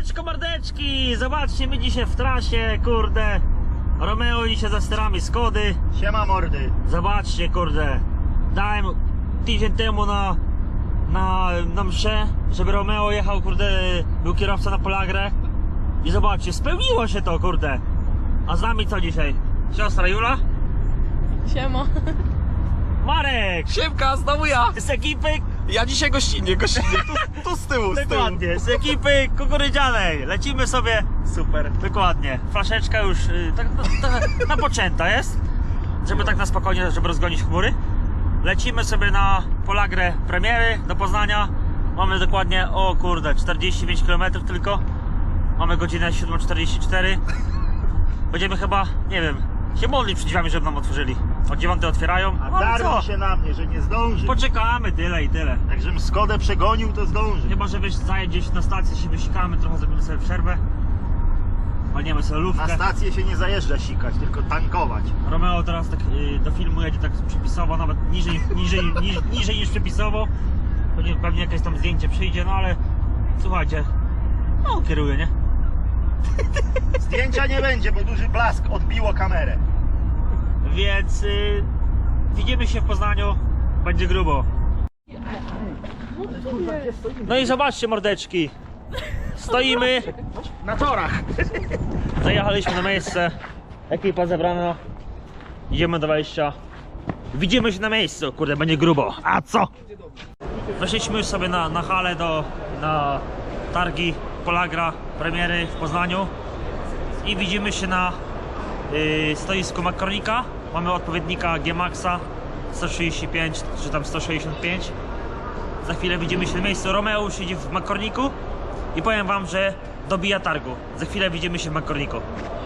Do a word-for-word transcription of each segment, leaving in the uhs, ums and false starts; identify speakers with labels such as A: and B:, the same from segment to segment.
A: Siemaneczko mordeczki! Zobaczcie, my dzisiaj w trasie, kurde. Romeo dzisiaj za sterami Skody.
B: Siema mordy.
A: Zobaczcie, kurde. Dałem tydzień temu na, na, na mszę, żeby Romeo jechał, kurde, był kierowca na Polagrę. I zobaczcie, spełniło się to, kurde. A z nami co dzisiaj? Siostra Jula?
C: Siema.
A: Marek!
D: Siemka, znowu ja!
A: Z ekipy,
D: Ja dzisiaj gościnnie, gościnnie, tu, tu z tyłu, z tyłu.
A: dokładnie, z ekipy kukurydzianej. Lecimy sobie.
D: Super.
A: Dokładnie. Flaszeczka już y, tak, tak napoczęta jest, żeby tak na spokojnie, żeby rozgonić chmury. Lecimy sobie na Polagrę premiery do Poznania. Mamy dokładnie, o kurde, czterdzieści pięć kilometrów tylko. Mamy godzinę siódma czterdzieści cztery. Będziemy chyba, nie wiem, się modlić przed drzwiami, żeby nam otworzyli. O dziewiątej otwierają.
B: A
A: No ale
B: darło
A: co?
B: się na mnie, że nie zdąży.
A: Poczekamy, tyle i tyle.
B: Jak żebym Skodę przegonił, to zdąży.
A: Chyba, że wiesz, zajeść gdzieś na stację, się wysikamy, trochę zrobimy sobie przerwę. Walniemy sobie
B: Na
A: lufkę.
B: stację się nie zajeżdża sikać, tylko tankować.
A: Romeo teraz tak y, do filmu jedzie tak przepisowo, nawet niżej, niżej, niż, niżej niż przepisowo. Pewnie, pewnie jakieś tam zdjęcie przyjdzie, no ale słuchajcie, no on kieruje, nie?
B: Zdjęcia nie będzie, bo duży blask odbiło kamerę.
A: Więc y, widzimy się w Poznaniu, będzie grubo. No i zobaczcie mordeczki, stoimy
B: Na torach.
A: Zajechaliśmy na miejsce, ekipa zebrana, idziemy do wejścia. Widzimy się na miejscu, kurde, będzie grubo. A co? Weszliśmy już sobie na, na halę do, na targi Polagra premiery w Poznaniu i widzimy się na y, stoisku Makronika. Mamy odpowiednika G-Maxa sto trzydzieści pięć czy tam sto sześćdziesiąt pięć. Za chwilę widzimy się na miejscu. Romeo siedzi w Makroniku i powiem wam, że dobija targu. Za chwilę widzimy się w Makroniku.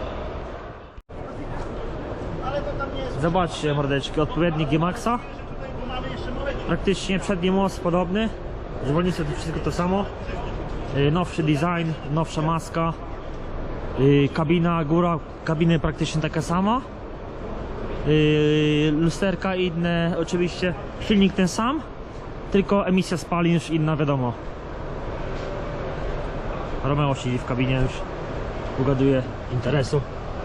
B: Ale to tam nie jest.
A: Zobaczcie mordeczki, odpowiednik G-Maxa.
B: Mamy jeszcze moleki.
A: Praktycznie przedni most podobny. Zwolnicy to wszystko to samo. Yy, Nowszy design, nowsza maska. Yy, Kabina, góra kabiny praktycznie taka sama. Yy, Lusterka inne, oczywiście silnik ten sam, tylko emisja spalin już inna, wiadomo. Romeo siedzi w kabinie, już ugaduje interesu.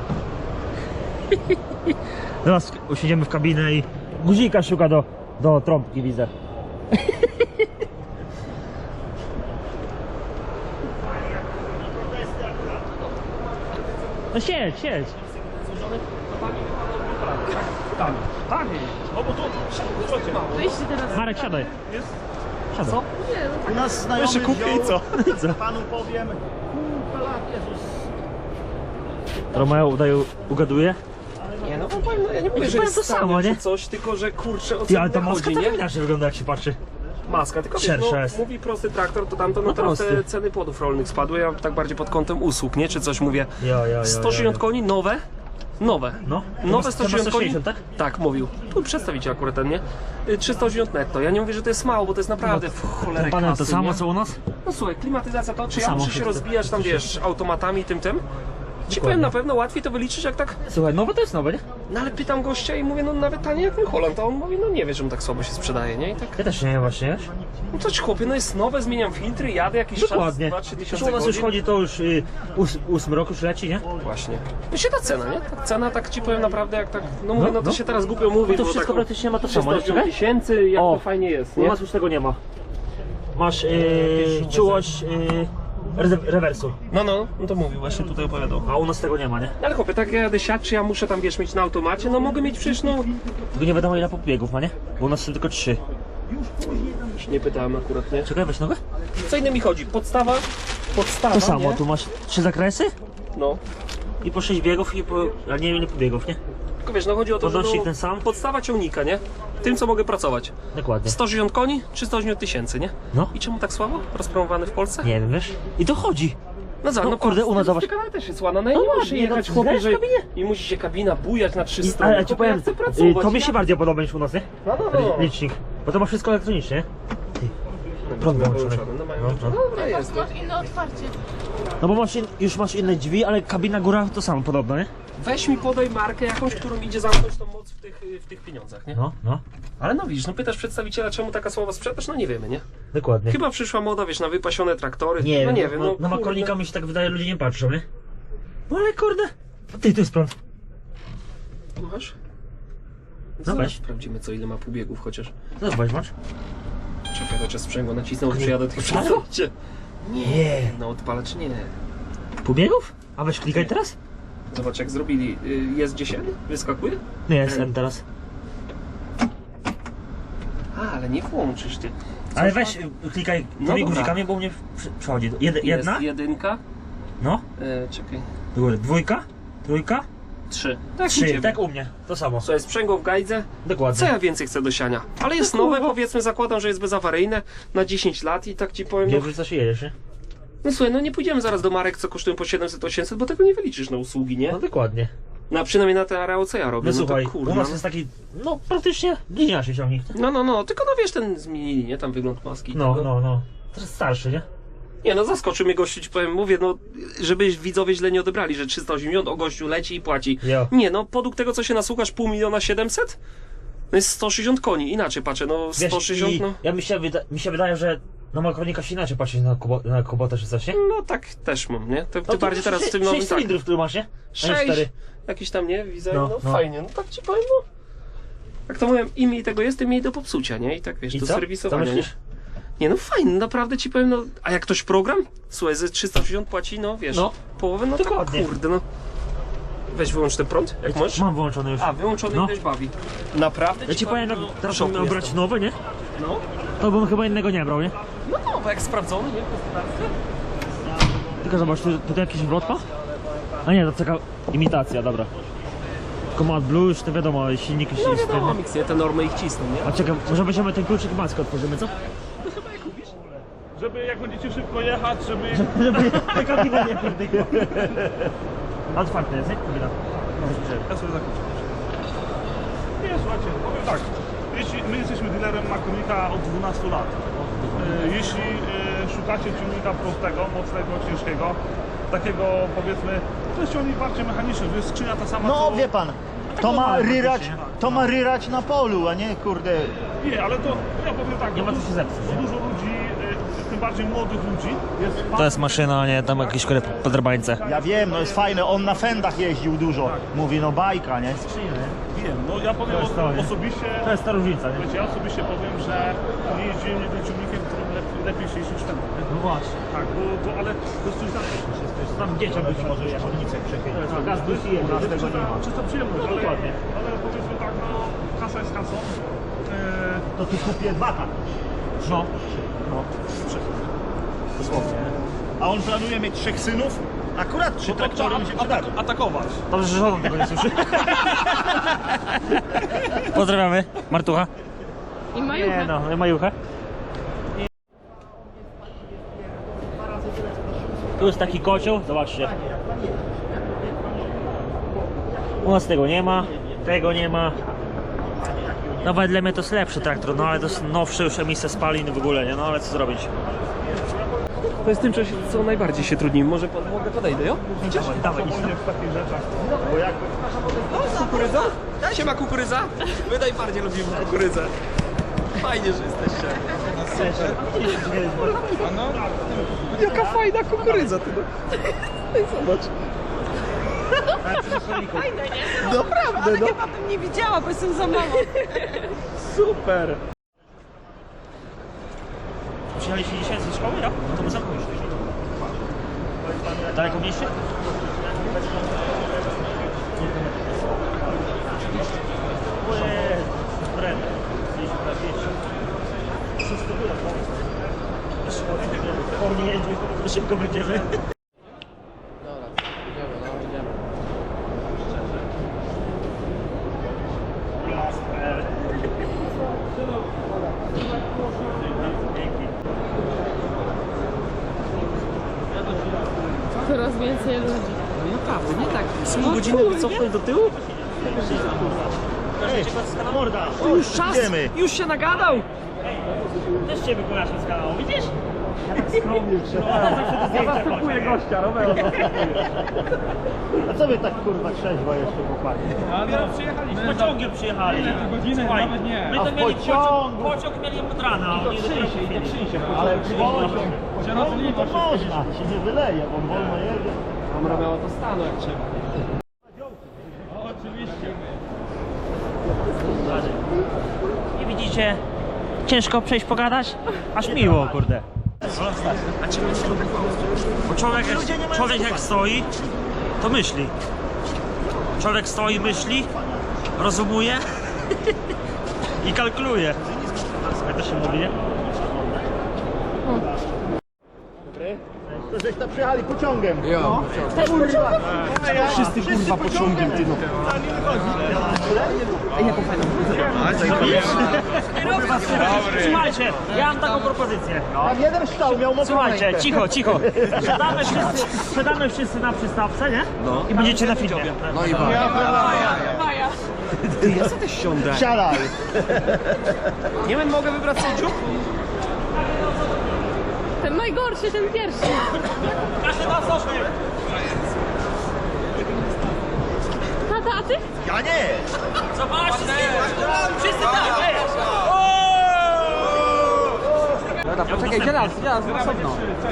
A: Teraz usiądziemy w kabinę i guzika szuka do, do trąbki, widzę. No siedź, siedź.
D: Tak, tak. O, bo tu,
C: Wyjście teraz.
A: Marek, siadaj. Siadaj.
D: Co?
B: U nas znajomy
D: Jeszcze kupię i
B: wziął,
D: co?
B: panu powiem. Kurwa, Jezus.
A: Romeo udaje, ugaduje.
D: Nie no, powiem, no ja nie mówię,
A: Ja
D: że
A: powiem
D: jest
A: to samo, nie?
D: czy coś, tylko że kurczę o
A: Ty,
D: co
A: ale ta
D: mi
A: maska
D: chodzi,
A: tak
D: nie?
A: inaczej wygląda, jak się patrzy.
D: Maska, tylko wiesz,
A: Szersza
D: no,
A: jest.
D: mówi prosty traktor, to tamto, no,
A: No
D: teraz te
A: prosty.
D: ceny płodów rolnych spadły, ja tak bardziej pod kątem usług, nie? Czy coś mówię.
A: Jo, jo, jo,
D: sto
A: jo,
D: sześćdziesiąt
A: jo.
D: koni, nowe, nowe.
A: No,
D: Nowe
A: sto
D: sto sześćdziesiąt koni.
A: sześćdziesiąt, tak?
D: Tak, mówił. Tu przedstawicie akurat ten, nie? Y, trzysta osiemdziesiąt netto. Ja nie mówię, że to jest mało, bo to jest naprawdę w cholerę
A: Ten panel to
D: kasy,
A: samo
D: nie?
A: co u nas?
D: No słuchaj, klimatyzacja to, czy
A: To
D: ja
A: samo
D: muszę się
A: się-
D: rozbijać tam, wiesz, automatami tym, tym? Ci
A: Dokładnie.
D: powiem, na pewno łatwiej to wyliczyć, jak tak...
A: Słuchaj, nowe to jest nowe, nie?
D: No ale pytam gościa i mówię, no nawet taniej jak ten Holland, a on mówi, no nie wie, że on tak słabo się sprzedaje, nie? I tak,
A: Ja też nie wiem właśnie, wiesz?
D: no to ci chłopie, no jest nowe, zmieniam filtry, jadę jakiś
A: Dokładnie.
D: czas, dwa trzy
A: Zresztą
D: tysiące
A: u nas już
D: godzin.
A: chodzi to już y, ós, ósmy rok już leci, nie?
D: Właśnie. No się ta cena, nie? Ta cena, tak ci powiem naprawdę, jak tak, no mówię,
A: No,
D: no to
A: no.
D: się teraz głupio mówi,
A: No to
D: bo
A: wszystko
D: tak,
A: praktycznie ma to samo, nie?
D: trzysta tysięcy, jak
A: O.
D: to fajnie jest,
A: U
D: nie?
A: nas już tego nie ma. Masz yy, czułość yy, re rewersu,
D: No, no, no to mówił, właśnie tutaj opowiadał.
A: a u nas tego nie ma, nie?
D: Ale chłopie, tak ja jadę siać, czy ja muszę tam, wiesz, mieć na automacie? No mogę mieć przecież, no...
A: Tylko nie wiadomo ile pobiegów ma, nie? Bo u nas są tylko trzy.
D: Nie pytałem akurat, nie?
A: Czekaj, weź nogę.
D: Co innym mi chodzi? Podstawa, podstawa,
A: To samo,
D: nie?
A: tu masz trzy zakresy
D: No.
A: i po sześć biegów i po... ale nie wiem ile pobiegów, nie?
D: Tylko wiesz, no chodzi o to, że
A: Podnośnik
D: no,
A: ten sam?
D: podstawa ciągnika, nie? Tym, co mogę pracować.
A: Dokładnie.
D: sto sześćdziesiąt koni, trzysta osiemdziesiąt tysięcy, nie?
A: No.
D: I czemu tak słabo? Rozpromowany w Polsce?
A: Nie wiem, wiesz? I to chodzi.
D: No za,
A: No
D: no
A: kurde, u nas zobacz.
D: Kanał też jest ładna, no i
A: No
D: nie muszę
A: ładnie,
D: jechać
A: no,
D: chłopie,
A: znasz
D: że...
A: kabinie?
D: I musi się kabina bujać na trzy
A: I,
D: strony.
A: ale ja ci
D: Chłopie,
A: powiem,
D: ja chcę
A: y,
D: pracować.
A: to mi
D: ja-
A: się bardziej podoba niż u nas, nie?
D: No, no, no.
A: Licznik. Bo to ma wszystko elektronicznie, nie? Prąd
D: No,
A: wyłączony.
D: no, mają
A: No,
D: no,
A: no.
D: dobra jest.
C: Masz inne otwarcie.
A: No bo masz in, już masz inne drzwi, ale kabina góra to samo podobno, nie?
D: weź mi podaj markę jakąś, którą idzie zamknąć tą moc w tych, w tych pieniądzach, nie?
A: No, no,
D: Ale no widzisz, no pytasz przedstawiciela, czemu taka słaba sprzedaż? No nie wiemy, nie?
A: dokładnie.
D: Chyba przyszła moda, wiesz, na wypasione traktory.
A: Nie,
D: no nie wiem, no.
A: Na
D: kurde.
A: makolnika mi się tak wydaje, ludzie nie patrzą, nie? No ale kurde. A ty, tu jest prąd.
D: Masz?
A: No
D: Zaraz
A: weź.
D: sprawdzimy, co ile ma półbiegów chociaż.
A: Zobacz, masz?
D: Czekaj, chociaż sprzęgło nacisnął, przyjadę tych
A: Odpalało?
D: przedstawicie.
A: Nie.
D: No odpalacz nie.
A: Półbiegów? A weź klikaj teraz?
D: Zobacz jak zrobili. Y, Jest gdzieś N? Wyskakuje?
A: Nie, jest M teraz.
D: A, ale nie włączysz ty.
A: Ale
D: Coś
A: weź,
D: ma-
A: y, klikaj
D: No
A: tymi
D: dobra.
A: guzikami, bo u mnie przy- przechodzi. Jed, jedna?
D: Jest jedynka.
A: No.
D: E, czekaj.
A: Do góry. Dwójka? Trójka?
D: Trzy. Tak, u
A: Trzy,
D: ciebie.
A: tak u mnie. To samo.
D: Słuchaj, sprzęgło w gajdze.
A: Dokładnie.
D: Co ja więcej chcę do siania? Ale jest nowe, powiedzmy, zakładam, że jest bezawaryjne na dziesięć lat i tak ci powiem, no,
A: Nie wiesz, co się jedziesz, nie?
D: no słuchaj, no nie pójdziemy zaraz do marek, co kosztują po siedemset osiemset, bo tego nie wyliczysz na usługi, nie?
A: No dokładnie.
D: No a przynajmniej na te areały, co ja robię,
A: No,
D: no,
A: słuchaj,
D: to kurwa.
A: u nas
D: no.
A: jest taki, no praktycznie bliźniaczy ciągnik.
D: No, no, no, tylko no wiesz, ten zmienili, nie? Tam wygląd maski. i
A: No,
D: tego.
A: no, no. Teraz starszy, nie?
D: Nie no, zaskoczył mnie gościu, ci powiem, mówię, no, żeby widzowie źle nie odebrali, że trzysta osiemdziesiąt, o gościu leci i płaci.
A: Jo.
D: Nie no, podług tego, co się nasłuchasz, pół miliona siedemset? No jest sto sześćdziesiąt koni, inaczej patrzę, no
A: Wiesz,
D: sto sześćdziesiąt,
A: i
D: no.
A: ja mi się, wyda mi się wydaje, że na makronika się inaczej patrzy na, kubo na kubotę czy coś, nie?
D: No tak też mam, nie? Ty, ty
A: No to
D: bardziej teraz w tym
A: sze-
D: nowym
A: sześć
D: tak.
A: cylindrów, który masz, nie? A nie
D: Sześć,
A: cztery.
D: jakiś tam, nie? Widzę, no,
A: No, no.
D: fajnie, no tak ci powiem, no. Jak to mówię, im mniej tego jest, tym mniej do popsucia, nie? I tak wiesz,
A: I
D: do
A: co? Co
D: serwisowania, nie?
A: myślisz?
D: Nie no fajnie, naprawdę ci powiem, no. A jak ktoś program? Słuchaj, ze trzysta osiemdziesiąt płaci, no wiesz,
A: No.
D: połowę, no
A: Dokładnie.
D: tak kurde, no. Weź wyłącz ten prąd, jak możesz.
A: Mam wyłączony już.
D: A, wyłączony
A: No.
D: i też bawi. Naprawdę?
A: Ja ci powiem, jak teraz
D: szoku
A: bym miał brać
D: jestem.
A: nowe, nie?
D: No,
A: To bym chyba innego nie brał, nie?
D: no no, bo jak sprawdzony, nie? W gospodarce.
A: Tylko zobacz, tu, tutaj jakiś wrotka? A nie, to taka imitacja, dobra. Tylko ma blue, już to wiadomo, silnik już
D: No
A: jest
D: wiadomo,
A: ten.
D: mix, nie? Te normy ich cisną, nie?
A: A czekaj, może weźmiemy ten kluczyk maskę otworzymy, co?
E: Żeby jak będziecie szybko jechać, żeby...
A: Żeby ta kabina nie pierdykła. Otwarte jest, nie? Kabina.
E: Ja sobie zakończę. Nie, słuchajcie, powiem tak. Jeśli my jesteśmy dealerem Makonika od dwunastu lat. E, Jeśli e, szukacie ciągnika prostego, mocnego, ciężkiego, takiego powiedzmy, to jest ciągnik bardziej mechaniczny, to jest skrzynia ta sama
B: No
E: co...
B: wie pan, to ma
A: małe
B: ryrać,
A: faktycznie.
B: to ma ryrać na polu, a nie kurde.
E: Nie, ale to ja powiem tak,
A: Nie
E: bo
A: ma co się zepsuć,
E: bo
A: nie?
E: dużo ludzi, e, tym bardziej młodych ludzi, jest
A: To jest maszyna, a nie tam jakieś kurde podrabańce.
B: Ja wiem, no jest fajne, on na fendach jeździł dużo. Mówi, no bajka, nie?
E: wiem, no ja powiem
A: To jest to, nie?
E: osobiście,
A: To jest ta różnica, nie?
E: wiecie, ja osobiście powiem, że nie jeździłem jednym ciągnikiem, którym lepiej, lepiej się jeździć ten.
A: No właśnie.
E: Tak, bo, bo ale to jest coś znacznie.
A: Tam dzieciom być może
B: Ciągnicę przechylić.
A: gaz plus i
B: U nas tego nie ma.
E: Czysta przyjemność, ale,
A: dokładnie.
E: ale powiedzmy tak, no kasa jest kasą. Eee,
B: To tu kupię dwa tak.
A: No.
B: No, dosłownie. A on planuje mieć trzech synów? Akurat trzy traktory mi się przydały.
E: atakować.
A: Dobrze, że żona tego nie słyszy. Pozdrawiamy. Martucha.
C: I
A: Nie
C: majucha.
A: no, majucha. Tu jest taki kocioł, zobaczcie. U nas tego nie ma, tego nie ma. No wedle mnie to jest lepszy traktor, no ale to jest nowszy już emisja spalin w ogóle, nie? No ale co zrobić?
D: To jest tym, co- co najbardziej się trudni. Może pod, mogę podejdę, jo?
A: Idziesz? Dawaj, idź.
E: W takich rzeczach.
B: Bo jak
D: Kukurydza? Siema kukurydza? My najbardziej lubimy kukurydzę. Fajnie, że jesteście. Jaka fajna kukurydza, ty. Zobacz.
C: Fajne, nie?
D: Naprawdę,
C: Ale
D: no.
C: chyba bym nie widziała, bo jestem za małą.
D: Super.
A: Przyjechaliście dzisiaj ze szkoły, ja? No to my zamknęliśmy. Daleko mieście? Po mnie jeździ, szybko będziemy.
C: Coraz więcej ludzi.
D: Naprawdę, nie tak. Z pół godziny wycofnąć do tyłu?
B: morda,
D: Już czas,
B: idziemy.
D: już się nagadał.
A: Też cię wykonasz z kanału, widzisz? Ja zastupuję gościa, Romeo.
B: A co wy tak kurwa trzeźwo jeszcze chłopaki?
A: Z pociągiem przyjechali. Słuchaj, my to
B: A w
A: mieli
B: pociągu?
A: pociąg, pociąg mieli od rana. Oni
B: Ale pociąg, pociągu to można, się nie wyleje, bo on wolno jedzie.
D: Mam Romeo to stanu jak trzeba.
A: Nie widzicie? Ciężko przejść pogadać? Aż miło, kurde. Bo człowiek, jak, człowiek jak stoi, to myśli. Człowiek stoi, myśli, rozumuje i kalkuluje. Jak to się mówi, nie?
B: To żeś tam przyjechali pociągiem.
D: Jo.
B: Wszyscy kurwa pociągiem, ty no.
A: Słuchajcie, ja mam taką propozycję.
B: Tam jeden stał, miał mokrą
A: Słuchajcie,
B: rękę.
A: cicho, cicho. Siadamy wszyscy, siadamy wszyscy na przystawce, nie? I będziecie na filmie.
D: No i
C: Maja.
D: Ty, ja sobie też siądę.
B: Siadaj.
D: Nie wiem, mogę wybrać sędziów?
C: Ten najgorszy, ten pierwszy.
A: Każdy ma coś.
C: Tata, a ty?
B: Ja nie.
A: Zobaczcie, wszyscy tak, wiesz.
D: Dobra, poczekaj, gdzie nas? Gdzie nas? Osobno.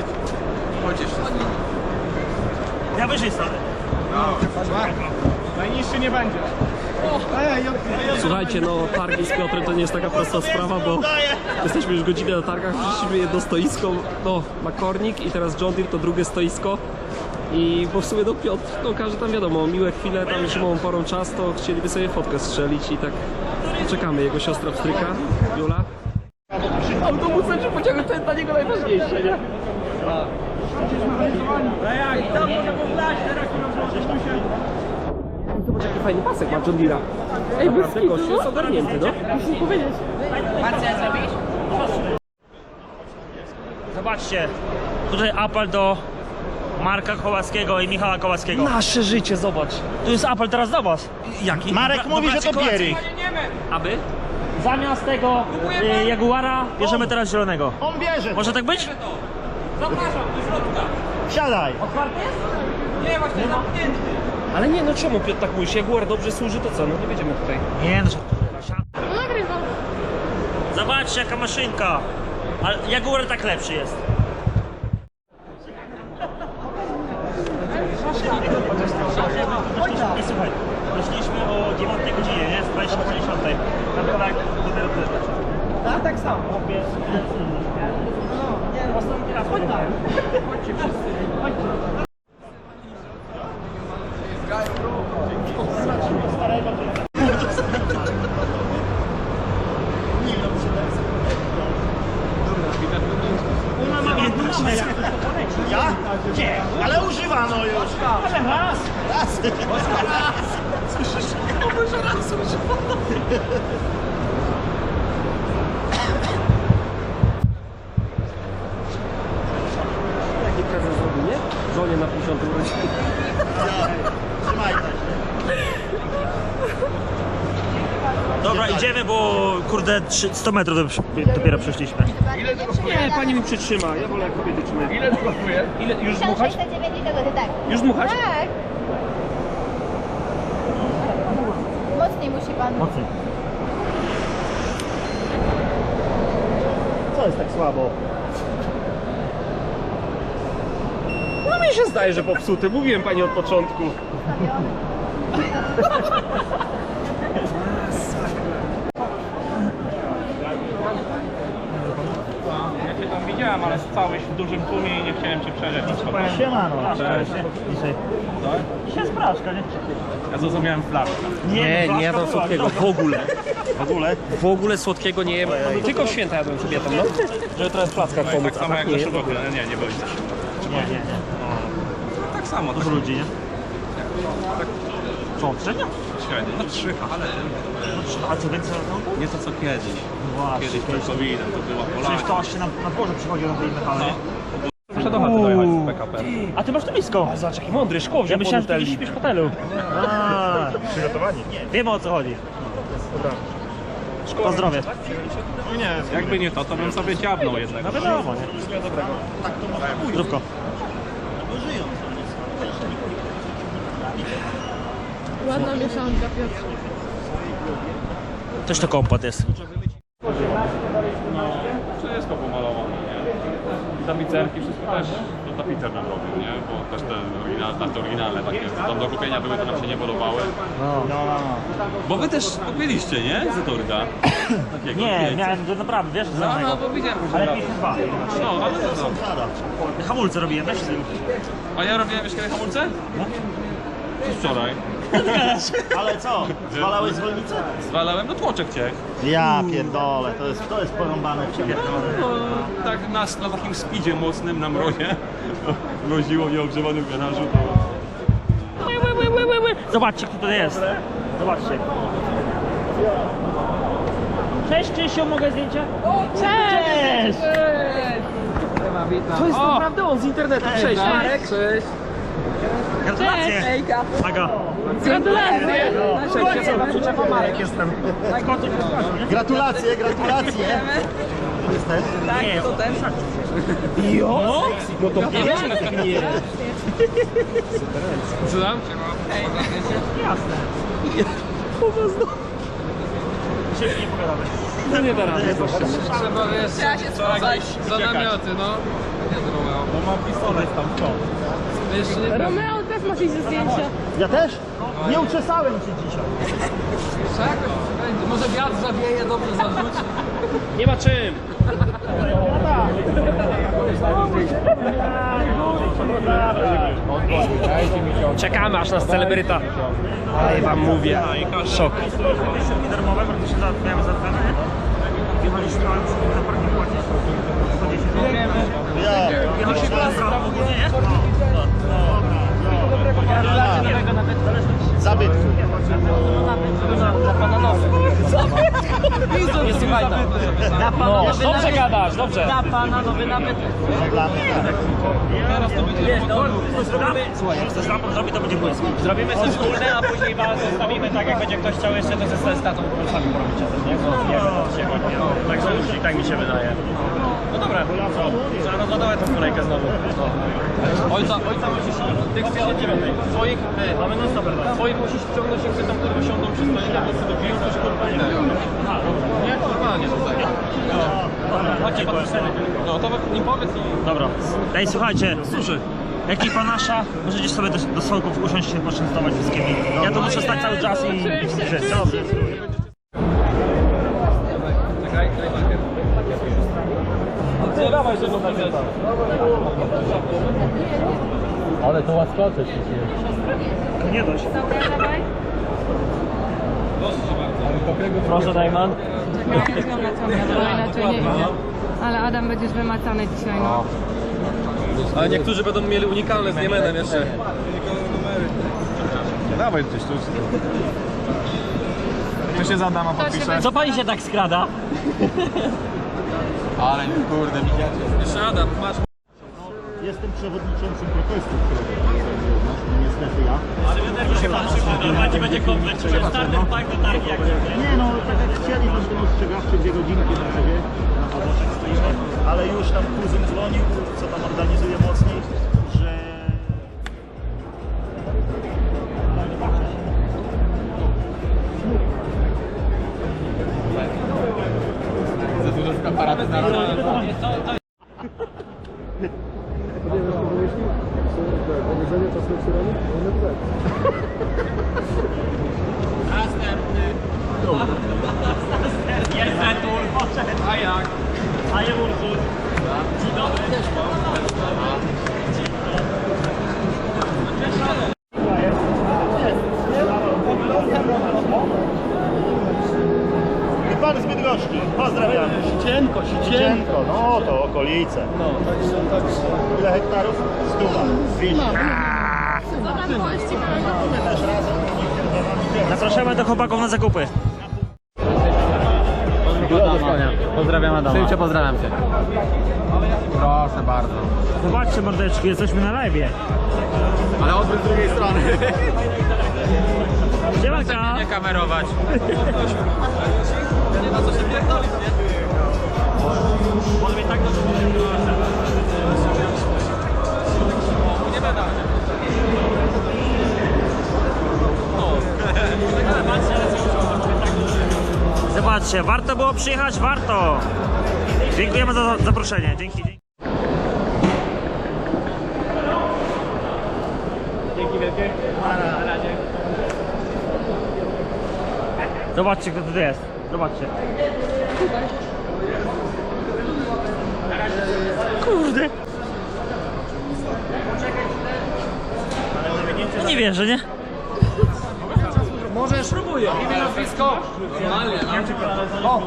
A: Ja wyżej stanę.
E: Najniższy nie będzie.
F: Słuchajcie, no targi z Piotrem to nie jest taka prosta sprawa, bo jesteśmy już godzinę na targach, przyszliśmy jedno stoisko, no Makornik i teraz John Deere to drugie stoisko. I bo w sumie no Piotr, no każdy tam wiadomo, miłe chwile, tam zimową porą czas, to chcieliby sobie fotkę strzelić i tak czekamy. Jego siostra pstryka, Jula. Autobus będzie pociągnąć, to jest dla niego najważniejsze, nie? Zobacz jaki fajny pasek ma John Deere'a.
C: Ej, bez
F: Naprawdę
C: kitu,
F: gość
C: no?
F: jest ogarnięty, no.
C: Muszę powiedzieć.
A: Zobaczcie, tutaj apel do Marka Kołaskiego i Michała Kołaskiego.
F: Nasze życie, zobacz.
A: Tu jest apel teraz do was.
F: Jaki?
B: Marek
A: Do
B: mówi, że
A: braci
B: to
A: Kołackich.
B: Pierik.
F: Aby?
A: Zamiast tego y, Jaguara bierzemy teraz zielonego.
B: On bierze.
A: Może tak być?
B: Siadaj.
F: Ale nie, no czemu Piotr tak mówisz? Jaguar dobrze służy, to co? No nie będziemy tutaj.
A: Nie no.
C: No nagrywam.
A: Zobaczcie jaka maszynka. Ale Jaguar tak lepszy jest. I słuchaj, wyszliśmy o dziewiątej godzinie, nie? Z dwudziestej po dziesiątej. Tam tak dopiero tyle. Tak, tak samo. Ostatni raz pojechałem. Chodźcie wszyscy. Chodźcie. Ona ma jedną jak to poleci.
B: Ja?
A: Gdzie?
B: Ale używano już.
A: Ale raz.
B: Raz.
F: Jaki prezent zrobi, nie? Żonie na pięćdziesiątym urodziny.
B: Trzymaj się.
A: Dobra, idziemy, bo kurde trzy- sto metrów do- dopiero przeszliśmy.
F: Nie, pani mi przytrzyma, ja wolę jak kobiety trzymają. Ile to kosztuje? Ile? Już dmuchać?
G: tysiąc sześćset dziewięćdziesiąt złotych, tak.
F: Już dmuchać?
G: Tak. Mocniej musi pan.
A: Mocniej.
B: Co jest tak słabo?
F: No mi się zdaje, że popsuty. Mówiłem pani od początku.
E: Ja cię tam widziałem, ale stałeś w dużym tłumie i nie chciałem cię przeżyć.
B: Siemano.
A: Dzisiaj. Dzisiaj jest praszka, nie?
E: Ja zrozumiałem flaszkę.
F: Nie,
A: no,
F: nie jadam
A: flaszka była,
F: słodkiego,
A: dobra.
F: w ogóle.
B: W ogóle?
F: W ogóle słodkiego nie jem. Tylko w święta jadłem kobietom, no. Żeby trochę w plackach pomóc,
E: Tak
F: a
E: samo
F: tak
E: jak
F: nie
E: do
F: jem.
E: szokowy. Nie, nie boisz się.
A: Nie, nie, nie.
E: Tak samo,
A: Dużo ludzi, nie? Co, trzecia?
E: średnio. No trzy, ale
A: A co więcej na to?
E: nie to co kiedyś.
A: No właśnie,
E: Kiedyś przed kowidem to była
A: Przecież
E: Polaka.
A: to aż się na, na dworze przychodzi na tej metale, nie?
E: Muszę do chaty dojechać z P K P.
A: A ty masz to blisko.
F: Zobacz, jaki mądry, szkło
A: Ja
F: wziął
A: myślałem,
F: pod
A: że ty
F: hotel.
A: śpisz w hotelu. A,
B: Przygotowani?
A: wiemy o co chodzi. Pozdrowie.
F: Jakby nie to, to bym sobie dziabnął jednak.
A: No wiadomo, nie? Zdrówko.
C: Ładna mieszanka, Piotr.
A: Coś to kompot jest.
H: Wszystko pomalowane, nie? I tapicerki, wszystko też to tapicer nam robił, nie? Bo też te oryginalne, te oryginalne takie, co tam do kupienia były, to nam się nie podobały. Bo wy też kupiliście, nie? Zetorga. Takiego,
A: Nie,
H: wiecie.
A: miałem to naprawdę, wiesz,
H: No,
A: znanego.
H: no, bo widziałem, że
A: Ale
H: raz.
A: pięćdziesiąt dwa.
H: No, ale to co?
A: Hamulce robiłem, weź sobie.
H: A ja robiłem jeszcze kiedy hamulce? No. Wczoraj.
B: Ale co? Zwalałeś zwolnicę?
H: Zwalałem, no tłoczek ciech.
B: Ja pierdolę, to jest, to jest porąbane w ciebie.
H: No, tak nas na takim speedzie mocnym na mrozie. Mroziło mnie ogrzewanym w garażu. To...
A: Zobaczcie, kto tutaj jest. Zobaczcie. Cześć, Krzysiu, mogę zdjęcia? Cześć!
F: To jest naprawdę on z internetu. Cześć, Marek. Cześć.
A: Gratulacje!
C: Ejka.
A: Aga.
C: Gratulacje.
F: Cześć, ja sobie przyczepa Marek jestem.
B: Gratulacje, gratulacje. Jesteś?
A: Nie, to ten.
F: Jo? No to pierwszy nie.
H: Co tam?
A: Jasne. Dzisiaj nie pogadamy.
F: No nie da rady.
H: Trzeba, wiesz,
C: Trzeba się sprawdzać.
H: za namioty, no. Nie zrobił.
E: Bo mam pistolet tam, co?
H: Jeszcze nie
C: Romeo też masz iść ze zdjęcia.
B: Ja też? Nie uczesałem cię dzisiaj.
H: jakoś będzie. Może wiatr zawieje, dobrze zarzuci.
F: Nie ma czym. Czekamy aż nas celebryta. Ale wam mówię. Szok.
A: Darmowe, bo to się za- miałem za cenę. Jechaliśmy, ale musimy za parking płacić. sto dziesięć.
B: Ja.
A: Jechaliśmy na prawo ogólnie, nie?
B: Zabytku.
F: Nie słuchaj tam. No, dobrze gadasz, dobrze.
B: Dla mnie.
A: Słuchaj, jak chcesz lampą zrobić, to będzie błysk.
F: Zrobimy coś wspólne, a później was zostawimy tak, jak będzie ktoś chciał jeszcze, to ze statą sami porobicie też, nie? No, nie wiem, o co się chodzi. Także już i tak mi się wydaje. No dobra, co? Trzeba rozładować tą kolejkę znowu. Ojca, ojca musisz, tych z dziewiątej. Swoich, ty, mamy non stop. Swoich musisz wciągnąć, jak tam kurwa siądą przy stole, jak to sobie piją, to się kurwa nie dają. Nie, normalnie tutaj. Chodźcie, podpisamy. No to im powiedz i...
A: Dobra. Ej, słuchajcie.
F: Służy.
A: Ekipa nasza, możecie sobie do, do stołków usiąść się poczęstować wszystkimi. Ja tu muszę stać cały czas i...
C: Oczywiście,
A: Dobrze.
F: Czekaj, daj marker. Nie dawaj, że można wziąć.
E: Ale to łaskocze się
A: Nie dość.
C: Dobra, dawaj.
F: Proszę, Dajman.
C: Czekaj, jest wymacone, bo inaczej nie widzę. Ale Adam będziesz wymacany dzisiaj, no.
F: Ale niektórzy będą mieli unikalne z Niemenem jeszcze.
E: Dawaj gdzieś tu. To się za dama
C: To się
E: podpisze.
C: będzie-
A: Co pani się tak skrada?
H: Ale kurde, widzicie.
F: Jeszcze Adam, masz.
B: Jestem przewodniczącym protestu, którego organizują. No niestety ja.
A: Będzie, będzie komplet. Starter pack do targi jak
B: Nie no, tak jak chcieli, tam ten ostrzegawczy dwie godzinki na razie. Na padoszek stoimy. Ale już tam kuzyn dzwonił, co tam organizuje mocniej, że...
H: Za dużo aparaty na
A: Jest Zetul, poszedł. A jak? A je Ursul. Dzień dobry.
B: Pan z Bydgoszki, pozdrawiamy. Sicienko, Sicienko, no to okolice. No, także, także. Ile hektarów? Stuwa. dwieście.
C: Zobacz, pościg.
B: Też razem.
A: Zapraszamy do chłopaków na zakupy.
D: Pozdrawiam Adama. Szybciej pozdrawiam cię. Proszę bardzo.
A: Zobaczcie mordeczki, jesteśmy na live.
D: Ale odwrót z drugiej strony.
A: Siemanka.
D: Nie kamerować. Nie ma co się pierdolić, nie? Może mnie tak dobrze nie będę.
A: Zobaczcie, warto było przyjechać, warto. Dziękujemy za zaproszenie. Dzięki. dzięki.
B: Dzięki wielkie. Na razie.
A: Zobaczcie, kto tu jest. Zobaczcie. Kurde. Nie wierzę, nie?
D: Możesz, spróbuję. Imię, nazwisko. O,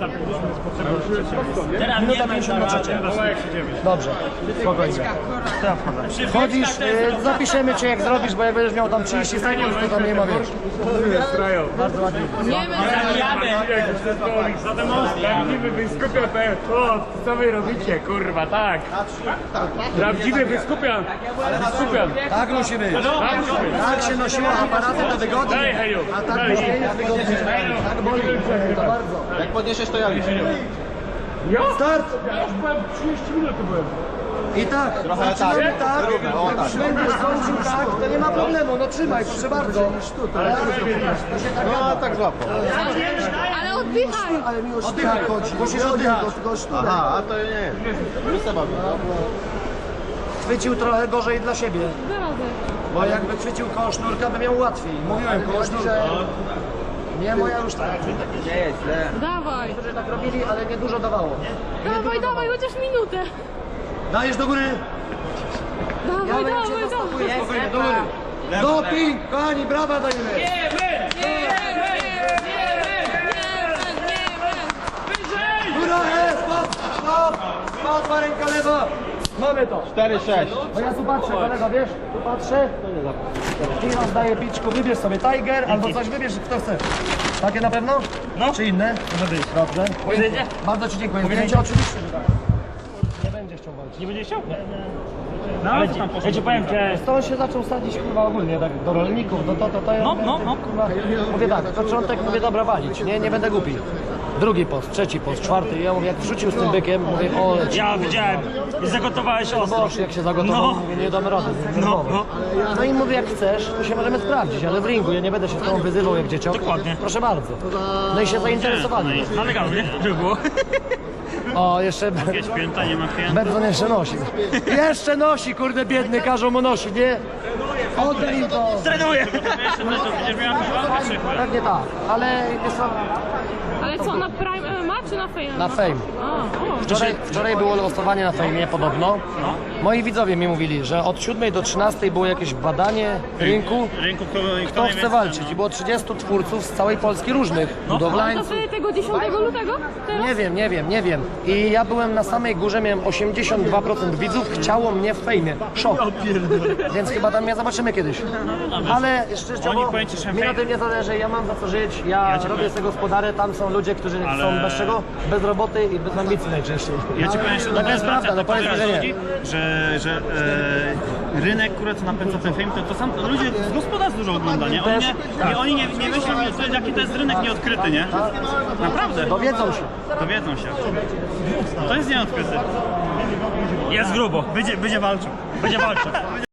D: minuta pięćdziesiąt na trzecie. Dobrze, spokojnie. Wchodzisz, y, zapiszemy cię jak zrobisz, bo jak będziesz miał tam trzydzieści sekund, to tam nie ma wiesz. Bardzo ładnie.
E: Prawdziwy wyskupian, o, co wy robicie, kurwa, tak. Prawdziwy wyskupian, wyskupian.
D: Tak musi być. Tak się nosiło aparaty do wygody.
E: Daj, heju,
D: A tak
E: daj.
D: musi być wygodnie. Tak boli. To bardzo. Jak podniesiesz to ja już. Start!
E: Ja już byłem trzydzieści minut tu byłem.
D: I tak, zaczynamy tak, jak już będziesz kończył tak, to nie ma problemu, no trzymaj, proszę bardzo. Ale no tak złapał.
C: Ale oddychaj!
D: Ale mi o sztychę chodzi, musisz oddychać. Aha, a to nie, nie trzeba. Chwycił trochę gorzej dla siebie, bo jakby chwycił koło sznurka, by miał łatwiej. Mówiłem koło sznurka. Nie, moja już tak. Nie jest źle.
C: Dawaj!
D: Niektórzy tak robili, ale nie dużo dawało.
C: Dawaj, dawaj, chociaż minutę!
D: Dajesz do góry.
C: Dawaj,
D: Ja bym
C: dawaj,
D: cię
C: dawaj!
D: zastopuję spokojnie, do góry. Doping, kochani, brawa dajemy. Góra jest, stop, stop, stop, ma ręka lewa. Mamy to. cztery sześć. Bo ja tu patrzę, kolega, wiesz? Tu patrzę. I rozdaję piczku, wybierz sobie Tiger albo coś, wybierz kto chce. Takie na pewno?
A: No.
D: Czy inne? Może być. Dobrze.
A: Pojedziecie?
D: Bardzo ci dziękuję. Zdjęcie oczywiście, że tak. Nie będzie chciał walczyć.
A: Nie będzie chciał? No, ale ci, ja ci powiem, że...
D: Stąd się zaczął sadzić kurwa ogólnie tak do rolników, do to, to, to ja
A: No,
D: mówię,
A: no, no.
D: kurwa, mówię tak, początek mówię dobra walić, nie, nie będę głupi. Drugi post, trzeci post, czwarty, ja mówię jak wrzucił z tym bykiem, mówię o leci.
A: Ja widziałem, i zagotowałeś ostro.
D: Boż, jak się zagotował,
A: No.
D: mówię nie damy rady,
A: No,
D: no,
A: no.
D: no i mówię jak chcesz, to się możemy sprawdzić, ale w ringu ja nie będę się z tobą wyzywał jak dzieciak.
A: Dokładnie.
D: Proszę bardzo. No i się zainteresowali.
A: No legalnie, żeby było.
D: O, jeszcze
A: Jakieś pięta, nie ma pięta.
D: Benson jeszcze nosi. Jeszcze nosi, kurde biedny, każą mu nosi, nie? Oddaj im to.
A: Trenuję!
D: Pewnie tak, ale jest to
C: Ale co, na Prime M M A czy na Fame?
D: na Fame.
C: A, o.
D: Wczoraj, wczoraj było losowanie na Fejmie podobno. Moi widzowie mi mówili, że od siódmej do trzynastej było jakieś badanie rynku.
A: Rynku, kto,
D: Kto chce walczyć? I było trzydziestu twórców z całej Polski różnych.
C: Ale to
D: Budowlańców.
C: wtedy tego dziesiątego lutego? Teraz?
D: Nie wiem, nie wiem, nie wiem. I ja byłem na samej górze, miałem osiemdziesiąt dwa procent widzów, chciało mnie w Fejmie. Szok. Więc chyba tam mnie zobaczymy kiedyś. Ale szczerze, mi na tym nie zależy, ja mam za co żyć, ja, robię z tego gospodarę, tam są ludzie, którzy są bez czego? Bez roboty i bez ambicji najczęściej.
B: Ja ci powiem, że
D: Taka jest prawda, no powiedz mi, że nie.
B: że, że e, rynek, który co napędza ten film, to, to sam to ludzie z gospodarstw dużo ogląda, nie? Oni nie, nie, oni nie, nie myślą, że- jaki to jest rynek nieodkryty, nie? Naprawdę,
D: Dowiedzą się.
B: dowiedzą się. To jest nieodkryty.
A: Jest grubo.
B: Będzie, będzie walczył.
A: Będzie walczył.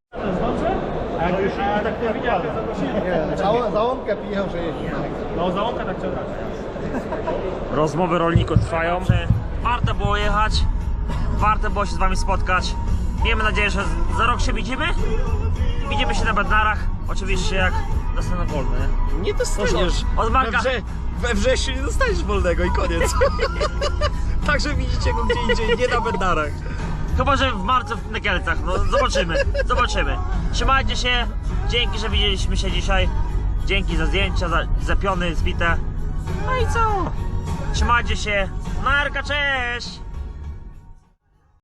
D: Załomkę piją, że jeździ.
B: No załąka tak ciąga.
A: Rozmowy rolników trwają. Warto było jechać. Warto było się z wami spotkać. Miejmy nadzieję, że za rok się widzimy. Widzimy się na Bednarach. Oczywiście jak dostanę wolne.
F: Nie dostaniesz.
A: Od Marka.
F: We, wrze we wrześniu nie dostaniesz wolnego i koniec. Także widzicie go gdzie indziej, nie na Bednarach.
A: Chyba, że w marcu w Kielcach. No zobaczymy. Zobaczymy. Trzymajcie się. Dzięki, że widzieliśmy się dzisiaj. Dzięki za zdjęcia, za, za piony zbite. No i co? Trzymajcie się. Marka, cześć!